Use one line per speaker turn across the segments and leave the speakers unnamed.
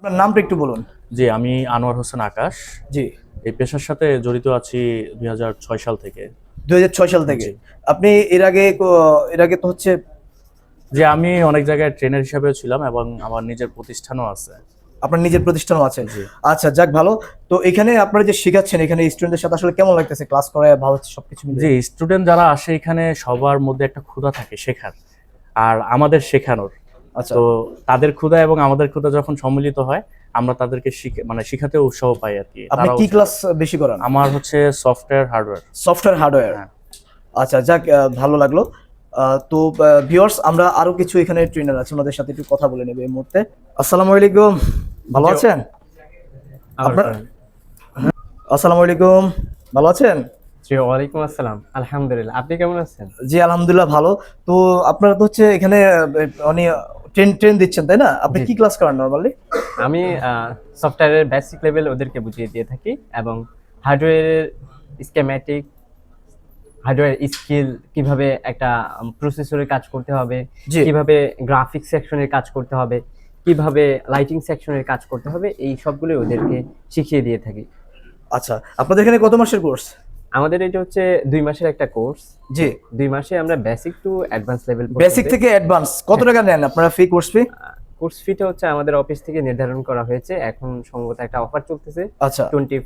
আপনার নামটা একটু বলুন।
জি, আমি আনোয়ার হোসেন আকাশ।
জি।
এই পেশার সাথে জড়িত আছি 2006 সাল থেকে।
2006 সাল থেকে।
জি।
আপনি এর আগে তো হচ্ছে
যে আমি অনেক জায়গায় ট্রেনার হিসেবেও ছিলাম এবং আমার নিজের প্রতিষ্ঠানও আছে।
আপনার নিজের প্রতিষ্ঠানও আছে।
জি।
আচ্ছা, যাক ভালো। তো এখানে আপনারা যে শেখাচ্ছেন, এখানে স্টুডেন্টদের সাথে আসলে কেমন লাগতেছে? ক্লাস করায় ভালো হচ্ছে সবকিছু
জি,
মিলিয়ে?
স্টুডেন্ট যারা আসে এখানে সবার মধ্যে একটা ক্ষুধা থাকে শেখার আর আমাদের শেখানোর।
আচ্ছা।
তো তাদের ক্ষুধা এবং আমাদের ক্ষুধা যখন সম্মিলিত হয় আমরা তাদেরকে শিখাতে উৎসাহ পাই আর কি।
আপনি কি ক্লাস বেশি করান?
আমার হচ্ছে সফটওয়্যার হার্ডওয়্যার।
Software hardware.
হ্যাঁ।
আচ্ছা, যাক ভালো লাগলো। তো ভিউয়ার্স, আমরা আরো কিছু এখানে ট্রেনার আছে, ওনাদের সাথে একটু কথা বলে নেব এই মুহূর্তে। আসসালামু আলাইকুম, ভালো আছেন? আপনার আসসালামু আলাইকুম, ভালো আছেন?
জি, ওয়ালাইকুম আসসালাম। আলহামদুলিল্লাহ, আপনি কেমন আছেন?
জি, আলহামদুলিল্লাহ ভালো। তো আপনারা তো হচ্ছে এখানে মানে ট্রেন দিচ্ছেন, তাই না? আপনি
জি।
কি ক্লাস করান নরমালি?
আমি সফটওয়্যারের বেসিক লেভেল ওদেরকে বুঝিয়ে দিয়ে থাকি এবং হার্ডওয়্যারের স্কেমেটিক, হার্ডওয়্যার স্কিল, কিভাবে একটা প্রসেসরের কাজ করতে হবে,
জি।
কিভাবে গ্রাফিক্স সেকশনের কাজ করতে হবে, কিভাবে লাইটিং সেকশনের কাজ করতে হবে, এই সবগুলো ওদেরকে শিখিয়ে দিয়ে থাকি।
আচ্ছা, আপনাদের এখানে কত মাসের কোর্স?
আমাদের এটা হচ্ছে 2 মাসের একটা কোর্স।
জি।
2 মাসে আমরা basic to advance level
basic থেকে অ্যাডভান্স কত টাকা নেন আপনারা ফি, কোর্স ফি?
কোর্স ফিটা হচ্ছে আমাদের অফিস থেকে নির্ধারণ করা হয়েছে। এখন সম্ভবত একটা অফার চলতেছে।
আচ্ছা,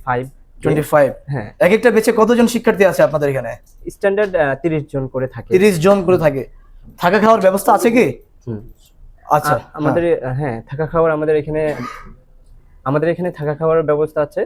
25। হ্যাঁ।
এক একটা বেচে কতজন শিক্ষার্থী আছে আপনাদের এখানে?
স্ট্যান্ডার্ড 30 জন করে থাকে।
30 জন করে থাকে। থাকা খাওয়ার ব্যবস্থা আছে কি?
হুম।
আচ্ছা,
আমাদের হ্যাঁ, থাকা খাওয়ার আমাদের এখানে থাকা খাওয়ার ব্যবস্থা আছে।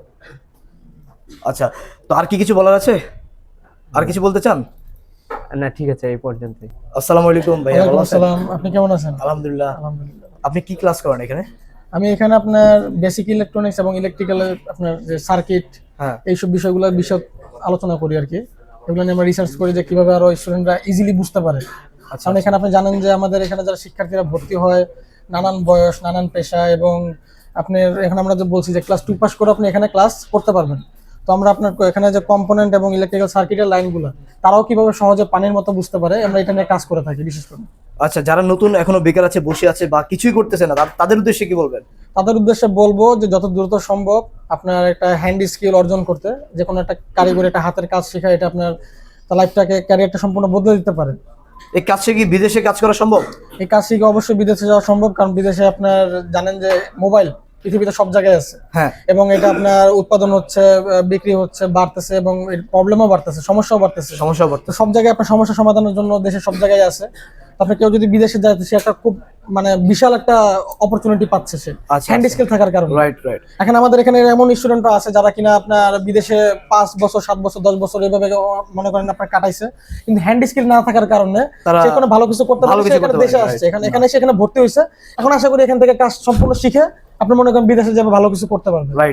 আচ্ছা, তো আর কি কিছু বলার আছে? আর কিছু বলতে চান?
না, ঠিক আছে, এই পর্যন্তই।
আসসালামু আলাইকুম ভাইয়া, ভালো আছেন?
আসসালাম, আপনি কেমন আছেন?
আলহামদুলিল্লাহ।
আলহামদুলিল্লাহ।
আপনি কি ক্লাস করেন এখানে?
আমি এখানে আপনার বেসিক ইলেকট্রনিক্স এবং ইলেকট্রিক্যালের আপনার যে সার্কিট,
হ্যাঁ।
এইসব বিষয়গুলো বিশদ আলোচনা করি আর কি। এগুলো নিয়ে আমরা রিসার্চ করি যে কিভাবে আরো স্টুডেন্টরা ইজিলি বুঝতে পারে।
আচ্ছা,
কারণ এখানে আপনি জানেন যে আমাদের এখানে যারা শিক্ষার্থীরা ভর্তি হয় নানান বয়স, নানান পেশা, এবং আপনার এখানে আমরা যে বলছি যে ক্লাস 2 পাস করে আপনি এখানে ক্লাস করতে পারবেন। তো আমরা আপনার এখানে যে কম্পোনেন্ট এবং ইলেকট্রিক্যাল সার্কিটের লাইনগুলো তারাও কিভাবে সহজে পানির মতো বুঝতে পারে, আমরা এটা নিয়ে কাজ করে থাকি বিশেষ করে।
আচ্ছা, যারা নতুন এখনো বেকার আছে, বসে আছে বা কিছুই করতেছে না, তাদের উদ্দেশ্যে কি বলবেন?
তাদের উদ্দেশ্যে বলবো যে যত দ্রুত সম্ভব আপনার একটা হ্যান্ড স্কিল অর্জন করতে, যে কোনো একটা কারিগরি একটা হাতের কাজ শেখা, এটা আপনার লাইফটাকে, ক্যারিয়ারটা সম্পূর্ণ বদলে দিতে পারে।
এই কাজ শিখে কি বিদেশে কাজ করা সম্ভব?
এই কাজ শিখে অবশ্যই বিদেশে যাওয়া সম্ভব, কারণ বিদেশে আপনার জানেন যে মোবাইল পৃথিবীতে সব জায়গায় আছে।
হ্যাঁ।
এবং এটা আপনার উৎপাদন হচ্ছে, বিক্রি হচ্ছে, বাড়তেছে, এবং এর প্রবলেমও বাড়তেছে, সমস্যাও বাড়তেছে। তো সব জায়গায় আপনার সমস্যা সমাধানের জন্য দেশের সব জায়গায় আছে। আপনি কেউ যদি বিদেশে যায়, সে একটা খুব মানে বিশাল একটা অপরচুনিটি পাচ্ছে সে, হ্যান্ড স্কিল থাকার কারণে।
রাইট।
এখন আমাদের এখানে এমন স্টুডেন্টরা আছে যারা কিনা আপনার বিদেশে 5 বছর, 7 বছর, 10 বছর এভাবে মনে করেন আপনার কাটাইছে, কিন্তু হ্যান্ড স্কিল না থাকার কারণে সে কোনো ভালো কিছু করতে পারে, সে এখানে দেশে আসছে, এখানে সে এখানে ভর্তি হয়েছে। এখন আশা করি এখান থেকে কাজ সম্পূর্ণ শিখে আপনি মনে করেন বিদেশে যাবে, ভালো কিছু করতে পারবেন।
রাইট।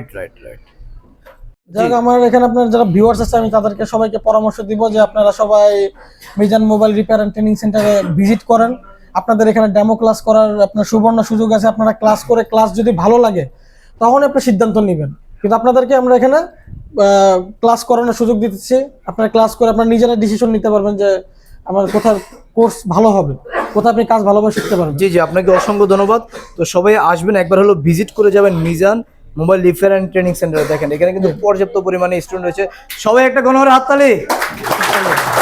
যাক, আমার এখানে আপনার যারা ভিউয়ার্স আছে, আমি তাদেরকে সবাইকে পরামর্শ দিব যে আপনারা সবাই Mizan mobile repair and training সেন্টারে ভিজিট করেন। আপনাদের এখানে ডেমো ক্লাস করার আপনার সুবর্ণ সুযোগ আছে। আপনারা ক্লাস করে ক্লাস যদি ভালো লাগে তখন আপনি সিদ্ধান্ত নেবেন, কিন্তু আপনাদেরকে আমরা এখানে ক্লাস করানোর সুযোগ দিতেছি। আপনারা ক্লাস করে আপনারা নিজেরা ডিসিশন নিতে পারবেন যে আমার কোথায় কোর্স ভালো হবে, কোথায় আপনি কাজ ভালোভাবে শিখতে পারবেন।
জি, আপনাকে অসংখ্য ধন্যবাদ। তো সবাই আসবেন, একবার হলো ভিজিট করে যাবেন Mizan mobile repair and training সেন্টারে। দেখেন এখানে কিন্তু পর্যাপ্ত পরিমাণে স্টুডেন্ট রয়েছে। সবাই একটা গণহারে হাততালি।